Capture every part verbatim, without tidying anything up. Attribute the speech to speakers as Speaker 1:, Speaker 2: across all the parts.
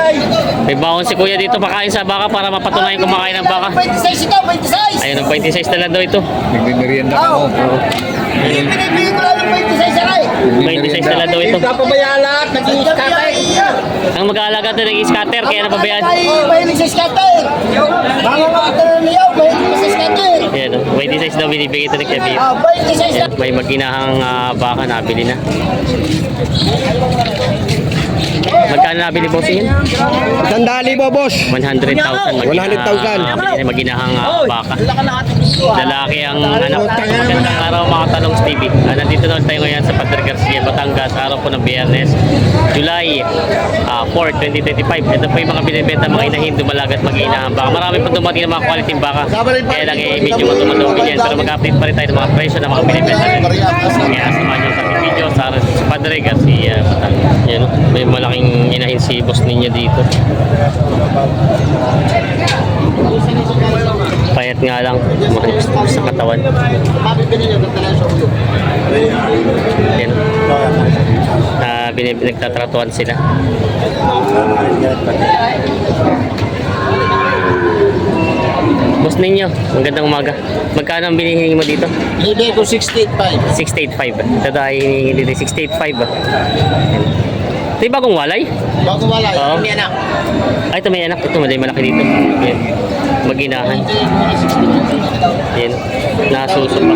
Speaker 1: May baon si kuya dito pakain sa baka para mapatunayan kumakain ng baka.
Speaker 2: twenty-six ito, twenty-six.
Speaker 1: Ayun, ang twenty-six na lang daw ito.
Speaker 3: Nagmimerienda ka
Speaker 2: Oo.
Speaker 3: mo.
Speaker 2: Pinipili ko lang ng twenty-six aray.
Speaker 1: twenty-six na lang daw ito.
Speaker 2: Papabayaan lahat, nag-i-scatter.
Speaker 1: Ang mag-aalaga ito ng scatter, kaya napabayaan.
Speaker 2: Ay, mahilig sa scatter. Mga mga niyaw, mahilig sa scatter.
Speaker 1: Ayan, oh, twenty-six daw binibigay ito ni Kevin.
Speaker 2: Ah, twenty-six na.
Speaker 1: May maginahang uh, baka nabili na. Magkano nabili boss yun?
Speaker 3: Sandali po, boss.
Speaker 1: one hundred thousand.
Speaker 3: one hundred thousand.
Speaker 1: Maginahang uh, baka. Lalaki ang anak. Magandang araw mga talong T V. Uh, nandito naman tayo ngayon sa Padre Garcia, Batangas. Araw po ng Biyernes, July uh, fourth, twenty twenty-five. Ito po yung mga binibenta mga inahin, dumalagat mag-inahan baka. Marami po dumating ng mga quality baka. Kaya lang eh, medyo matumadumi yan. Pero mag-update pa rin tayo ng mga presyo ng mga binibenta. Kaya samahan nyo sa video sa Padre Garcia, Batangas. Yan, may malaking inahin si boss ninyo dito. Payat nga lang sa katawan. Yan. Uh, Nagtatratuan sila. Boss ninyo, magandang umaga. Magkano ang binihingi mo dito?
Speaker 2: Hindi ko sixty-eight five.
Speaker 1: six eight five. Ito ay hinihingi dito, six eight five. Ito yung bagong walay?
Speaker 2: Bago wala,
Speaker 1: Oo.
Speaker 2: hindi anak.
Speaker 1: Ay, ito may anak. Ito, malay malaki dito. Yan. Maginahan. Yan. Nasusupak.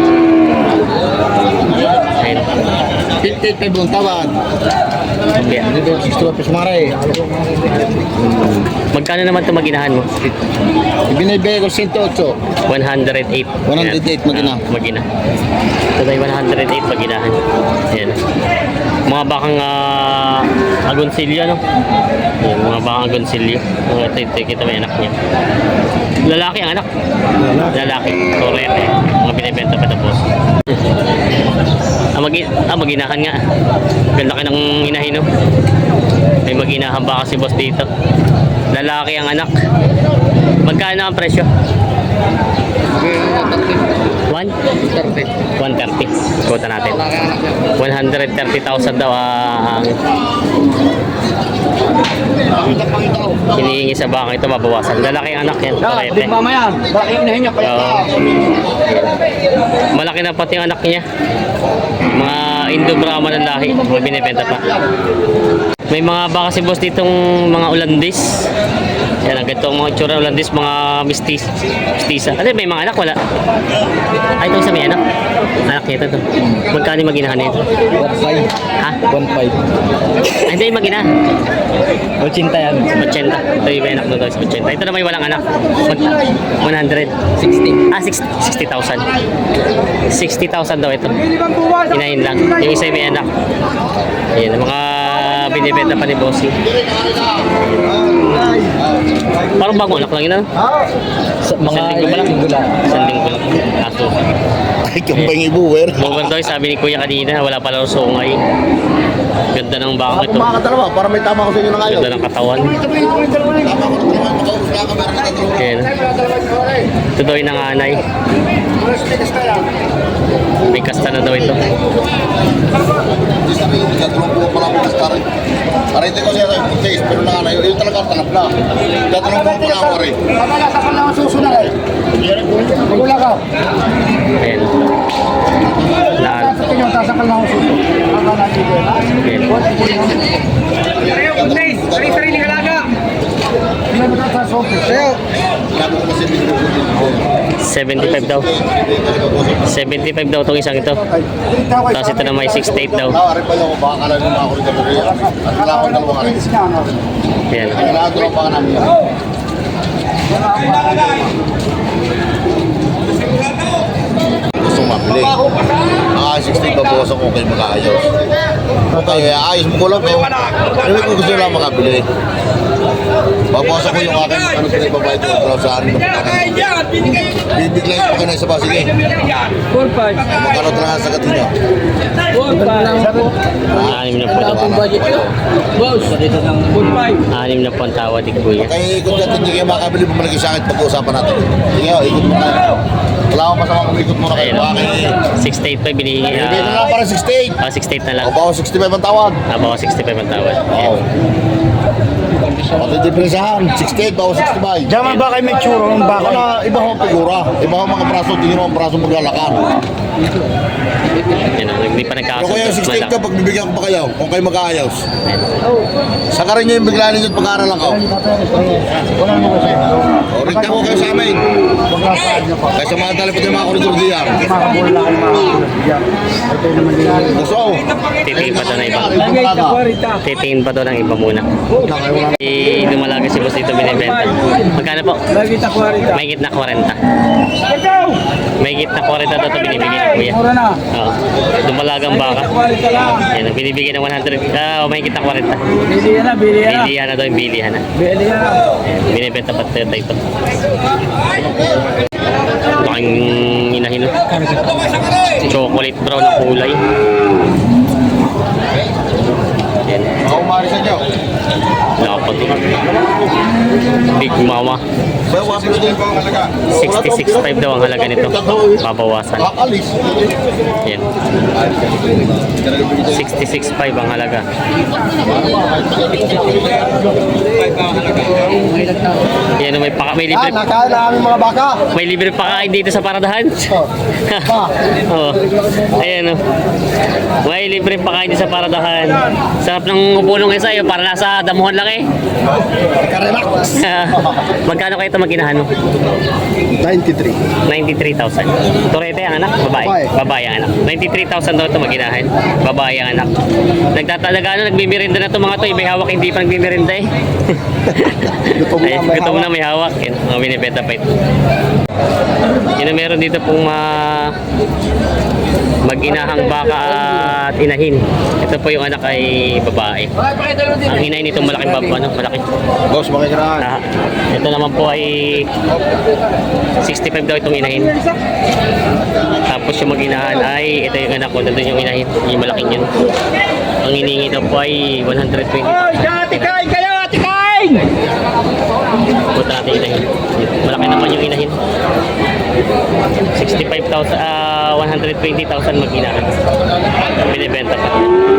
Speaker 1: Ayan.
Speaker 2: fifty-eight five ang tawad.
Speaker 1: Okay.
Speaker 2: Dito sixty-one pesos maray.
Speaker 1: Magkano naman ito maginahan mo?
Speaker 2: Ibinibigay ko one oh eight.
Speaker 1: one hundred eight.
Speaker 2: one hundred eight magina.
Speaker 1: Ah, magina. Ito ay one hundred eight maginahan. Yan. Mga bakang uh, agonsilyo, no? Yan, mga bakang agonsilyo. Oh, ito, ito, kita may anak niya. Lalaki ang anak. Lalaki. Torete. Mga binibenta pa tapos. Ah, mag ah, maginahan nga. Ganda ka ng inahin, no? May maginahan ba kasi boss dito? Lalaki ang anak. Magkano ang presyo? one thirty. one thirty. Kuta natin. one hundred thirty thousand daw ang hinihingi sa baka ito, mabawasan. Lalaki ang anak yan. Parete.
Speaker 2: Mamaya, bakit inahin niya pala?
Speaker 1: Oo. Malaki na pati ang anak niya. Mga Indo-Brahma ng lahi. Mga binibenta pa. May mga baka si boss ditong mga Ulandis. Yan, ang ganitong mga itsura Ulandis, mga mistis, mistisa. Ano, may mga anak, wala? Ay, ito sa may anak. Anak niya ito. Magkano yung maginahan nito?
Speaker 3: one five.
Speaker 1: Ha?
Speaker 3: one five.
Speaker 1: Ay, hindi yung magina.
Speaker 3: eighty yan.
Speaker 1: eighty. Ito yung may anak na ito, eighty. Ito naman yung walang anak. Mag one hundred.
Speaker 3: sixty.
Speaker 1: Ah, sixty thousand. sixty thousand daw ito. Inahin lang. Yung isa yung may anak. Ayan, mga binibenta pa ni Bossy. Parang bagong anak lang yun, ano?
Speaker 3: Mga
Speaker 1: Isang linggo pa lang.
Speaker 3: linggo lang.
Speaker 1: Isang linggo lang. Aso.
Speaker 2: Ay, kumpang ibuwer.
Speaker 1: Mover daw, sabi ni Kuya kanina, wala pala rin sungay. Ganda ng baka ito.
Speaker 2: Mga dalawa, para may tama ko sa inyo na ngayon.
Speaker 1: Ganda ng katawan. Ayan. Ito daw yung nanganay. May kasta na daw ito.
Speaker 2: Tatulong po pala ako sa tarin. Arete ko siya sa pagkais, pero na nga yun talaga tanap na. Tatulong po pala ako rin. Kamala, sakal na ako susunod eh. Magula ka.
Speaker 1: Ayan. Lahat.
Speaker 2: Yung sasakal na ako susunod.
Speaker 1: Ayan.
Speaker 2: Sarili-sarili halaga. Sa'yo.
Speaker 1: seventy-five daw. seventy-five daw itong isang ito. Tapos ito na may sixty-eight daw.
Speaker 2: Ari pa lang, baka kala nung ako rin dalawa. Akala ko dalawa rin.
Speaker 1: Ayan.
Speaker 2: Nagagawa lang pa ka namin. Gusto mabili. Ah, sixty pa po sa kung kayo mag-aayos. Okay, ayos mo ko lang kayo. Ano kung gusto lang makabili. Babawasan ko yung akin, ano sila ibabayad ko para sa akin. Bibiglayin ko kayo na isa ba? Sige.
Speaker 3: four five.
Speaker 2: Magkano talaga sa gatin niya?
Speaker 3: four five.
Speaker 1: Anim na po daw.
Speaker 3: budget ko. Boss, dito ng four five.
Speaker 1: Anim na po ang tawad ni Kuya.
Speaker 2: Kaya ikot natin, hindi kayo makabili, bumalik sa akin pag-uusapan natin. Sige, oh, ikot mo tayo. Wala akong masama kung ikot muna kayo.
Speaker 1: Ayan.
Speaker 2: Bakit?
Speaker 1: sixty-eight pa binihingi.
Speaker 2: Hindi na lang
Speaker 1: Ah,
Speaker 2: para sixty-eight.
Speaker 1: oh, sixty-eight na lang.
Speaker 2: O ba, sixty-five ang tawad.
Speaker 1: Ah, baka sixty-five ang tawad.
Speaker 2: Oo.
Speaker 1: Ayan.
Speaker 2: Pati depresahan, sixty-eight o sixty-five.
Speaker 4: Diyan ba kayo may tsuro ng
Speaker 2: Baka
Speaker 4: baka?
Speaker 2: na iba ho ang figura. Iba ho ang mga braso, tingin mo ang braso maglalakad.
Speaker 1: Yan, oh, hindi pa
Speaker 2: Pero
Speaker 1: nagkakasundot.
Speaker 2: kaya yung sixty-eight ka,
Speaker 1: Malaki.
Speaker 2: pag bibigyan ko pa kayo, kung kayo mag-aayos.
Speaker 1: Yan.
Speaker 2: Saka rin nyo yung bigla ninyo at pag-aaral ako.
Speaker 4: Wala mo kasi.
Speaker 2: O, rin ko kayo sa amin.
Speaker 4: Magkakaad na pa.
Speaker 2: Kaya sa mga tali pati mga koridor diyan.
Speaker 4: Makabula ka mga diyan. Ito naman din.
Speaker 2: Gusto.
Speaker 1: Titingin pa daw na iba.
Speaker 3: Lagay sa kwarta.
Speaker 1: Titingin pa daw ng iba muna. Eh, lumalaga si boss dito binibenta. Magkano po?
Speaker 3: Lagay sa kwarta.
Speaker 1: May gitna forty. May gitna forty daw ito binibigay ni kuya.
Speaker 3: Mura na.
Speaker 1: Oo. Dumalagang baka.
Speaker 3: Sa kwarta lang.
Speaker 1: Yan, binibigay ng one hundred. Ah, may gitna forty.
Speaker 3: Bilihan na, bilihan na.
Speaker 1: Bilihan na daw yung bilihan na.
Speaker 3: Bilihan na.
Speaker 1: Ayan, binibenta pa tayo ito. Laking inahin. No? Chocolate brown na kulay. Ayan.
Speaker 2: Ako umari sa inyo.
Speaker 1: Dapat ito. Big Mama.
Speaker 2: Sayo, wasin ko din po ang halaga.
Speaker 1: sixty-six point five daw ang halaga nito. Babawasan.
Speaker 2: Kakalis.
Speaker 1: Yan. sixty-six point five ang halaga. Yan, may paka, may libre,
Speaker 4: nakain na aming mga baka.
Speaker 1: may libre pakain dito sa paradahan. Oo. Ayan, oh. May libre pakain dito sa paradahan. Sarap ng upo nung isa, yun, para nasa damuhan lang eh.
Speaker 4: Nakarelax.
Speaker 1: Magkano kayo ito magkinahan mo?
Speaker 4: ninety-three.
Speaker 1: ninety-three thousand. Torete ang anak? Babae?
Speaker 4: Babae.
Speaker 1: Babae ang anak. ninety-three thousand daw ito maginahan. Babae ang anak. Nagtatalaga ano, nagbibirinda na ito mga ito. May hawak, hindi pa nagbibirinda eh.
Speaker 4: Gutom na,
Speaker 1: Ay,
Speaker 4: may
Speaker 1: gutom
Speaker 4: hawak.
Speaker 1: na may hawak. Yan, mga binibenta pa ito. Yun ang meron dito pong ma... mag-inahang baka at inahin. Ito po yung anak ay babae. Ang inahin nito malaking baba, ano, malaki.
Speaker 2: Boss, makikiraan.
Speaker 1: Ah, ito naman po ay sixty-five daw itong inahin. Tapos yung mag-inahan ay ito yung anak ko, nandun yung inahin, yung malaking yun. Ang iningi daw po ay one hundred twenty.
Speaker 3: Oy, atikain kayo, atikain!
Speaker 1: Punta natin yung inahin. Malaki naman yung inahin. sixty-five thousand, ah, one hundred twenty thousand mag-inahan. Binibenta pa.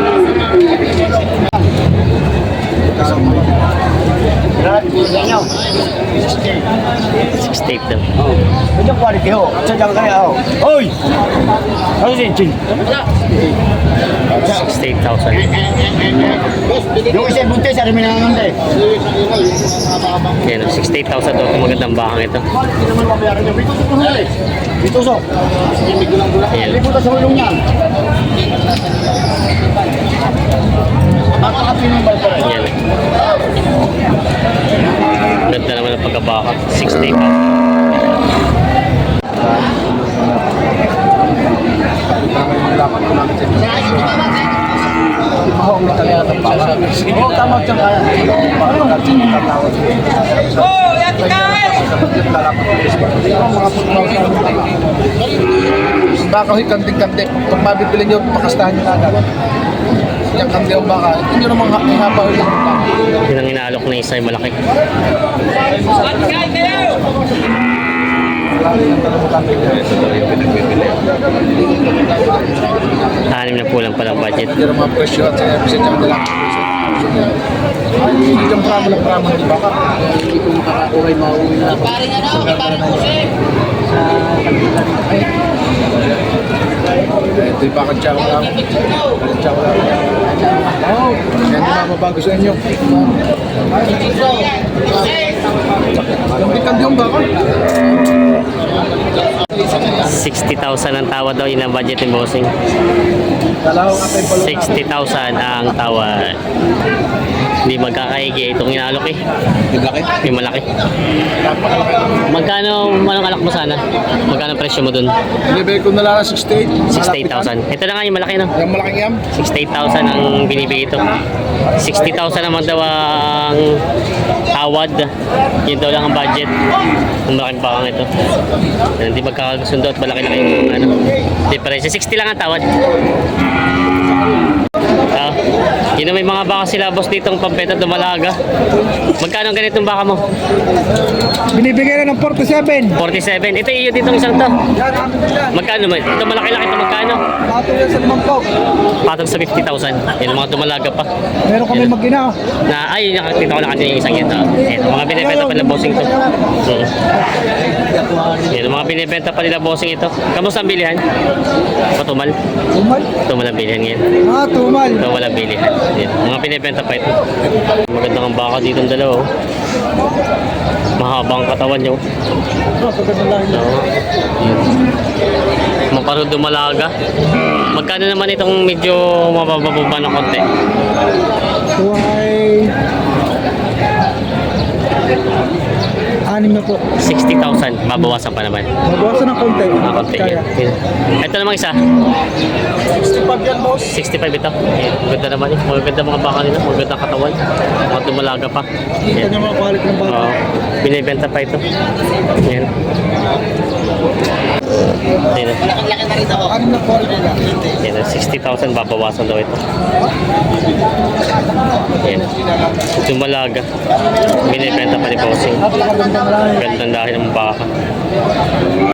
Speaker 1: sixty-eight daw.
Speaker 4: Ito quality ho. Sa diyan kaya ho. Oy! Ano si Chin?
Speaker 1: sixty-eight thousand.
Speaker 4: Yung isa buntis, ano may nanganganday?
Speaker 1: Yan, sixty-eight thousand daw itong magandang bakang ito.
Speaker 4: Hindi naman mabayaran niya. Bito sa huli. Bito so.
Speaker 1: Ayan.
Speaker 4: Liputan sa hulong niyan. Nakakapin ng balta rin.
Speaker 1: Yan. Ganda naman ang pagkabaka. sixty thousand.
Speaker 4: Oo, tama dyan kaya.
Speaker 3: Oh, atikain!
Speaker 4: Baka ho'y kanting-kanting. Kung mabibili nyo, pakastahan nyo na agad. Yung kanting ang baka, ito nyo namang ihapa ho'y lang.
Speaker 1: Yun ang inaalok na isa ay malaki.
Speaker 3: Atikain kayo!
Speaker 1: Anim na pulang palang budget.
Speaker 4: Hindi mga presyo at sa presyo dyan nila. Hindi yung pramo ng pramo ng baka. Hindi ko makakakuhay mauwi na. Paring ano, paring kusi. Ito yung baka tiyaw lang. Tiyaw lang. Oo, yan yung mababago sa inyo. Yung bikan yung baka.
Speaker 1: sixty thousand ang tawad daw. Yun ang budget ng bossing.
Speaker 4: Dalawang atay palo.
Speaker 1: sixty thousand ang tawad. Hindi magkakaigi. Itong inaalok eh.
Speaker 2: Yung laki.
Speaker 1: Yung malaki. Magkano manong alak mo sana? Magkano presyo mo dun?
Speaker 4: Binibigay ko na lang sixty-eight.
Speaker 1: sixty-eight thousand. Ito na nga yung malaki no?
Speaker 4: Yung malaking yam.
Speaker 1: sixty-eight thousand ang binibigay ito. sixty thousand naman daw ang tawad. Yun daw lang ang budget. Ang malaking bakang ito. Hindi magkakasundo at malaki na yung ano, difference. sixty lang ang tawad. Ah, Yun na may mga baka sila boss ditong pampeta dumalaga. Magkano ang ganitong baka mo?
Speaker 3: Binibigay na ng forty-seven.
Speaker 1: forty-seven. Ito iyo ditong isang to.
Speaker 3: Yan, amin din yan.
Speaker 1: Magkano man? Ito malaki-laki ito magkano?
Speaker 3: Ato yan sa limang po.
Speaker 1: Patag sa fifty thousand. Yan ang mga dumalaga pa.
Speaker 3: Meron kami
Speaker 1: Yan.
Speaker 3: mag-ina.
Speaker 1: Na ay nakakita ko na kanina yung isang yun. Ah. Ito mga binibenta pa nila bossing to. Hmm. Yan ang mga binibenta pa nila bossing ito. Kamusta ang bilihan? Patumal.
Speaker 3: Tumal.
Speaker 1: Tumal ang bilihan ngayon.
Speaker 3: Ah, tumal.
Speaker 1: Ito wala bilihan. Yan. Mga binibenta pa ito. Maganda ang baka dito ang dalawa. Oh. Mahabang katawan nyo.
Speaker 3: Oh, pagkatang lang.
Speaker 1: Oo. Maparod dumalaga. Magkano naman itong medyo mabababa na konti?
Speaker 3: Tuway. Anim na po.
Speaker 1: sixty thousand. Babawasan pa naman.
Speaker 3: Mabawasan ng konti.
Speaker 1: Mga konti.
Speaker 3: Kaya.
Speaker 1: Yan. Ito namang isa.
Speaker 3: sixty-five yan, boss.
Speaker 1: sixty-five ito. Yan. Maganda naman eh. Maganda mga baka nila. Maganda ang katawan. Mga dumalaga pa.
Speaker 3: Kita
Speaker 1: Yan.
Speaker 3: niyo mga quality ng bata.
Speaker 1: Oo. Binibenta pa ito. Yan. Yan.
Speaker 3: Anim na quality na.
Speaker 1: Yan. sixty thousand babawasan daw ito. Yan. Dumalaga. Binibenta pa ni Bossing.
Speaker 3: Napakaganda na lang.
Speaker 1: Ganda dahil ng baka.